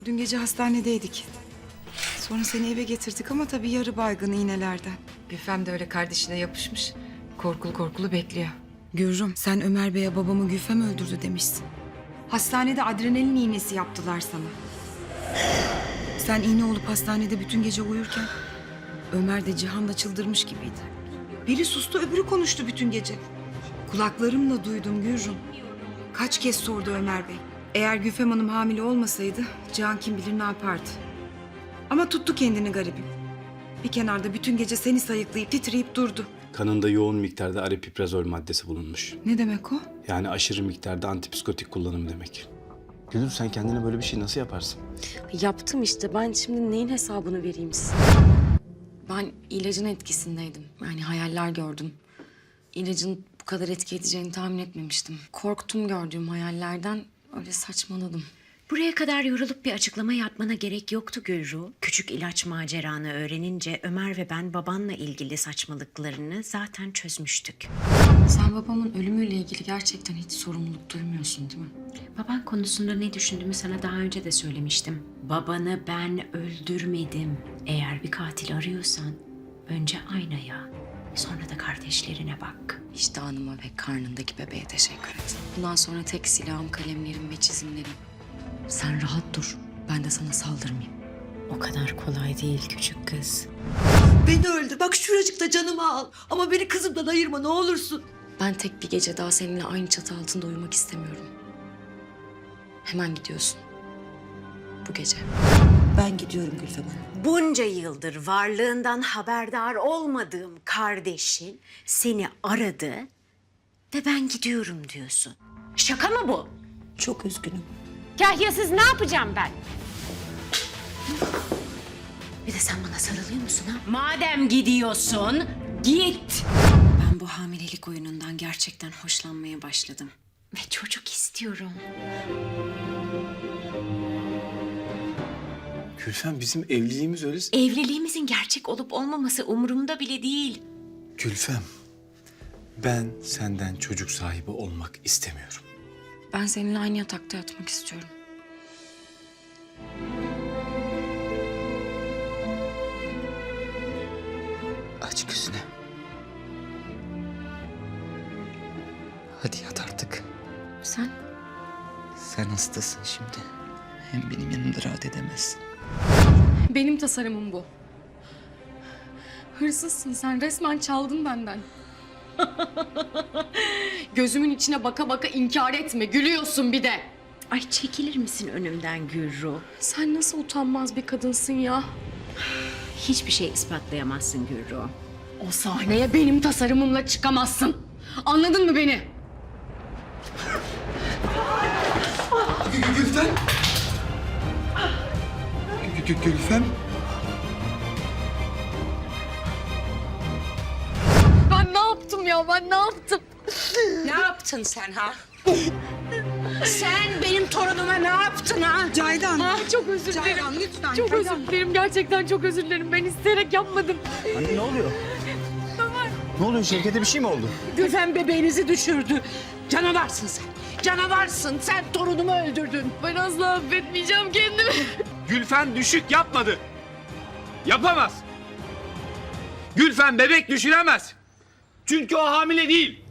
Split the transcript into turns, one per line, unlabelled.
Dün gece hastanedeydik. Sonra seni eve getirdik ama tabii yarı baygın iğnelerden.
Gülfem de öyle kardeşine yapışmış. Korkulu korkulu bekliyor.
Gürrüm, sen Ömer Bey'e babamı Gülfem öldürdü demişsin. Hastanede adrenalin iğnesi yaptılar sana. Sen iğne olup hastanede bütün gece uyurken Ömer de Cihan da çıldırmış gibiydi. Biri sustu, öbürü konuştu bütün gece. Kulaklarımla duydum Gürrüm. Kaç kez sordu Ömer Bey. Eğer Gülfem Hanım hamile olmasaydı Cihan kim bilir ne yapardı. Ama tuttu kendini garibim. Bir kenarda bütün gece seni sayıklayıp titreyip durdu.
Kanında yoğun miktarda aripiprazol maddesi bulunmuş.
Ne demek o?
Yani aşırı miktarda antipsikotik kullanım demek. Gülür, sen kendine böyle bir şey nasıl yaparsın?
Yaptım işte. Ben şimdi neyin hesabını vereyim size? Ben ilacın etkisindeydim. Yani hayaller gördüm. İlacın bu kadar etki edeceğini tahmin etmemiştim. Korktum gördüğüm hayallerden. Öyle saçmaladım.
Buraya kadar yorulup bir açıklama yapmana gerek yoktu Gülru. Küçük ilaç maceranı öğrenince Ömer ve ben babanla ilgili saçmalıklarını zaten çözmüştük.
Sen babamın ölümüyle ilgili gerçekten hiç sorumluluk duymuyorsun değil mi?
Baban konusunda ne düşündüğümü sana daha önce de söylemiştim. Babanı ben öldürmedim. Eğer bir katil arıyorsan önce aynaya, sonra da kardeşlerine bak.
Vicdanıma ve karnındaki bebeğe teşekkür et. Bundan sonra tek silahım kalemlerim ve çizimlerim. Sen rahat dur. Ben de sana saldırmayayım.
O kadar kolay değil küçük kız.
Beni öldür. Bak şuracıkta canımı al. Ama beni kızımdan ayırma ne olursun.
Ben tek bir gece daha seninle aynı çatı altında uyumak istemiyorum. Hemen gidiyorsun. Bu gece.
Ben gidiyorum Gülfem Hanım.
Bunca yıldır varlığından haberdar olmadığım kardeşin seni aradı ve ben gidiyorum diyorsun. Şaka mı bu?
Çok üzgünüm.
Kahyasız ne yapacağım ben? Bir de sen bana sarılıyor musun ha? Madem gidiyorsun, git. Ben bu hamilelik oyunundan gerçekten hoşlanmaya başladım. Ve çocuk istiyorum.
Gülfem, bizim evliliğimiz öyle...
Evliliğimizin gerçek olup olmaması umurumda bile değil.
Gülfem, ben senden çocuk sahibi olmak istemiyorum.
Ben seninle aynı yatakta yatmak istiyorum.
Aç gözünü. Hadi yat artık.
Sen?
Sen hastasın şimdi. Hem benim yanımda rahat edemezsin.
Benim tasarımım bu. Hırsızsın sen. Resmen çaldın benden. Gözümün içine baka baka inkar etme. Gülüyorsun bir de.
Ay çekilir misin önümden Gürru?
Sen nasıl utanmaz bir kadınsın ya.
Hiçbir şey ispatlayamazsın Gürru.
O sahneye benim tasarımımla çıkamazsın. Anladın mı beni?
Gülfem! Gülfem!
Ben ne yaptım ya? Ben ne yaptım?
Ne yaptın sen ha? Sen benim torunuma ne yaptın ha?
Caydan.
Çok özür dilerim.
Caydan lütfen.
Çok özür dilerim. Gerçekten çok özür dilerim. Ben isteyerek yapmadım.
Anne ne oluyor? Ne oluyor? Şevket'e bir şey mi oldu?
Gülfem bebeğinizi düşürdü. Canavarsın sen. Canavarsın. Sen torunumu öldürdün.
Ben asla affetmeyeceğim kendimi.
Gülfem düşük yapmadı. Yapamaz. Gülfem bebek düşüremez. Çünkü o hamile değil.